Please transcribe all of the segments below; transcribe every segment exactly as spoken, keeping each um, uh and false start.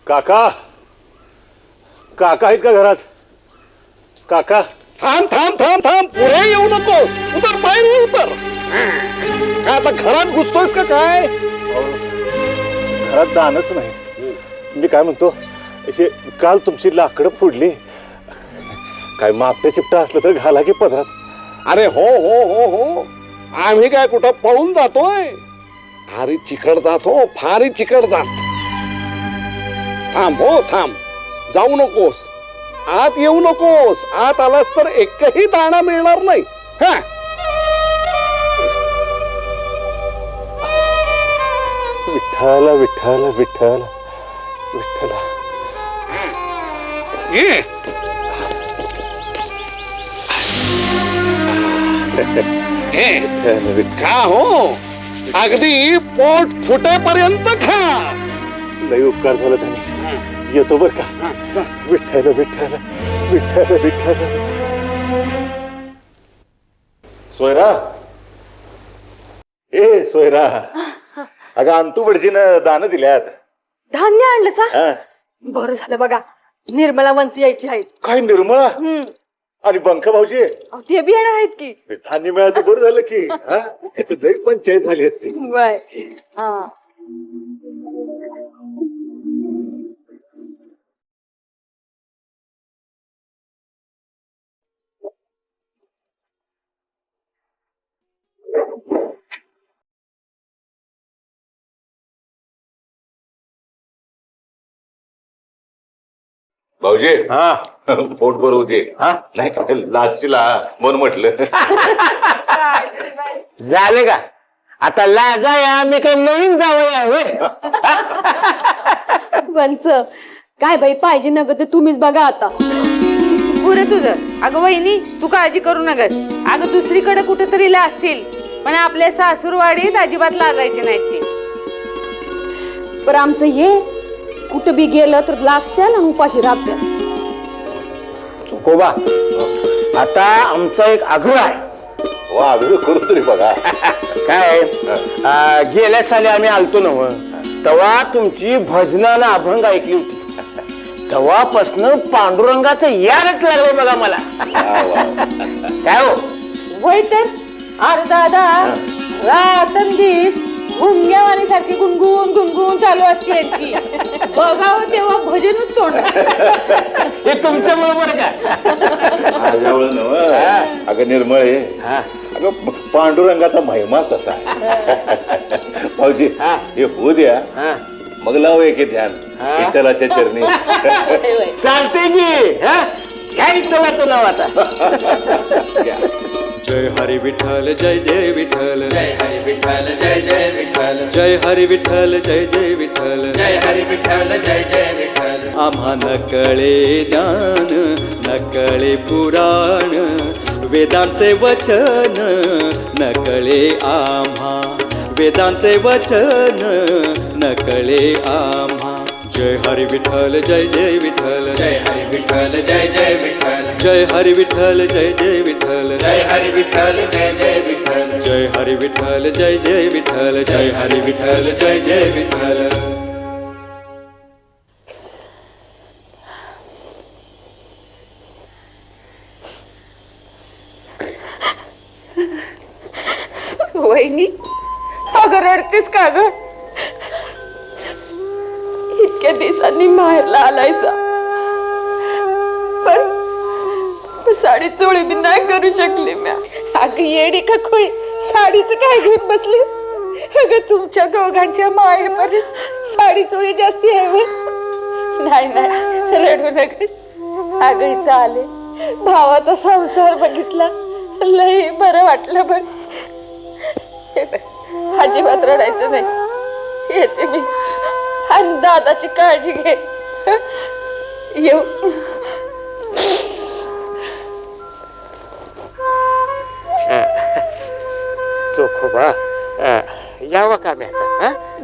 काका काका आहेत का घरात? काका थांब थांब थांब थांब पुढे येऊ नकोस. उतर बाहेर उतर. काय आता घरात घुसतोयस का काय? घरात दानच नाहीत. मी काय म्हणतो, असे काल तुमची लाकडं फोडली, काय मापट्या चिपटा असलं तर घाला की पदरात. अरे हो हो हो हो आम्ही काय कुठं पळून जातोय? फारी चिकट जात हो, फारी चिकट जात. थांब हो थांब, जाऊ नकोस, आत येऊ नकोस. आत आलास तर एकही दाणा मिळणार नाही. हा विठ्ठल विठ्ठल विठ्ठल विठ्ठल. ये विठ्ठल विठ्ठल. खा हो, अगदी पोट फुटेपर्यंत खा. लई उपकार झाला त्याने. येतो बर का. विठ्ठल विठ्ठल विठ्ठल विठ्ठल. सोयरा ए सोयरा, अगं अंतू बडजीनं दान दिल्यात. धान्य आणलं सा? हा. बरं झालं बघा, निर्मला वंशी यायची आहेत. काय निर्मळा हम्म आणि बंका भाऊजी अहो, ते बी येणार आहेत की. धान्य मिळालं बरं झालं की. हा इथं लई पंचायत झाली असती. बाय. हा भाऊजी हा पोट भरू दे. हा नाही लाचीला मन म्हटलं. झाले का आता लाजा या मी काही नवीन जावया होय. वंच काय बाई पाहिजे न ग ते तुम्हीच बघा आता. पुरं तुझं. अगं वहिनी तू काळजी करू नकस. अगं दुसरीकडे कुठेतरी ला असतील, पण आपल्या सासूरवाडीत अजिबात लाजायचे नाहीत ते. पण आमचं हे कुठं बी गेलं तर लाजत्याल आणि उपाशी राहत्याल. चुकोबा आता आमचा एक आग्रह आहे. वा आग्रह करू तरी बघा. काय अं, गेल्या साली आम्ही आलतो नव, तेव्हा तुमची भजनानं अभंग ऐकली होती. तेव्हापासनं पांडुरंगाचं यारच लागलं बघा मला. काय हो वय तर अरे दादा रातंदिस भुंग्यावाणी सारखी गुणगुण गुणगुण चालू असते यांची. बघावं तेव्हा भजनच तोंड. हे तुमच्या बरोबर का? माझ्यावळ नव अगं निर्मळ आहे. अगं पांडुरंगाचा महिमाच तसा आहे. भाऊजी हे होऊ द्या, मग लाव एक ध्यान विठ्ठलाच्या चरणी. चालते की. घ्या विठ्ठलाचं नाव आता. जय हरी विठ्ठल जय जय विठ्ठल जय हरी विठ्ठल जय जय विठ्ठल जय हरी विठ्ठल जय जय विठ्ठल जय हरी विठ्ठल जय जय विठ्ठल. आम्हा नकळे ज्ञान नकळे पुराण वेदांचे वचन नकळे आम्हा वेदांचे वचन नकळे आम्हा. जय हरी विठ्ठल जय जय विठ्ठल जय हरी विठ्ठल जय जय विठ्ठल जय हरी विठ्ठल जय जय विठ्ठल जय हरी विठ्ठल जय जय विठ्ठल जय हरी विठ्ठल जय जय विठ्ठल जय हरी विठ्ठल जय जय विठ्ठल. वहिनी अगं रडतेस का ग? इतक्या दिवसांनी माहेरला आलायचा, पण पण साडी चोळी बी नाही करू शकली म्या. अगं येडी का खोई, साडीचं काय घेऊन बसलीस? अगं तुमच्या दोघांच्या मायेपर्यंत साडी चोळी जास्ती आहे व्हय? नाही नाही रडू नकस. अगं इथं आले, भावाचा संसार बघितला, लई बरं वाटलं बघ. हे बघ, अजिबात रडायचं नाही. येते मी आणि दादाची काळजी घे. येऊ. चोखोबा यावं का मी आता?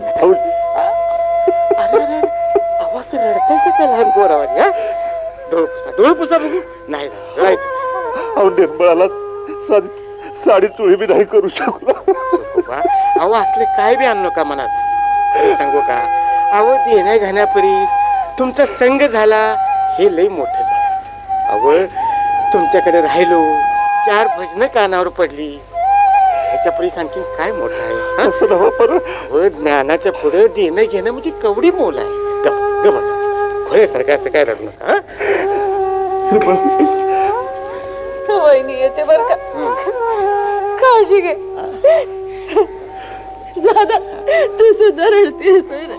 आवाज रडतायचं का लहान पोरावर? डोळ पुसा डोळ पुसा बघू. नाही रडायचं. अहो निर्मळाला साधी साडी चोळी बी नाही करू शकलो. चोखोबा अहो असले काय बी आणू नका मनात. सांगू का अहो देण्या घाण्यापरीस तुमचा संग झाला हे लय मोठं झालं. अव तुमच्याकडे राहिलो, चार भजनं कानावर पडली, ह्याच्या पुढे आणखी काय मोठं आहे? असं नव्ह पर अहो, ज्ञानाच्या पुढे देणं घेणं म्हणजे कवडी मोल आहे. ग ग बसा, खोळ्यासारखं असं काय रडू नका. हा? वहिनी येते बर का, काळजी घे. दादा तू सुद्धा रडतेस रे.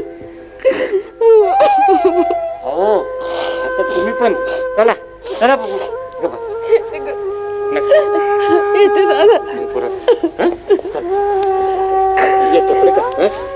हो आता तुम्ही पण चला चला बघू. ग बसा. येते ग. नका. येते दादा. पुरं. हं? चला. येतो बरं का? हं?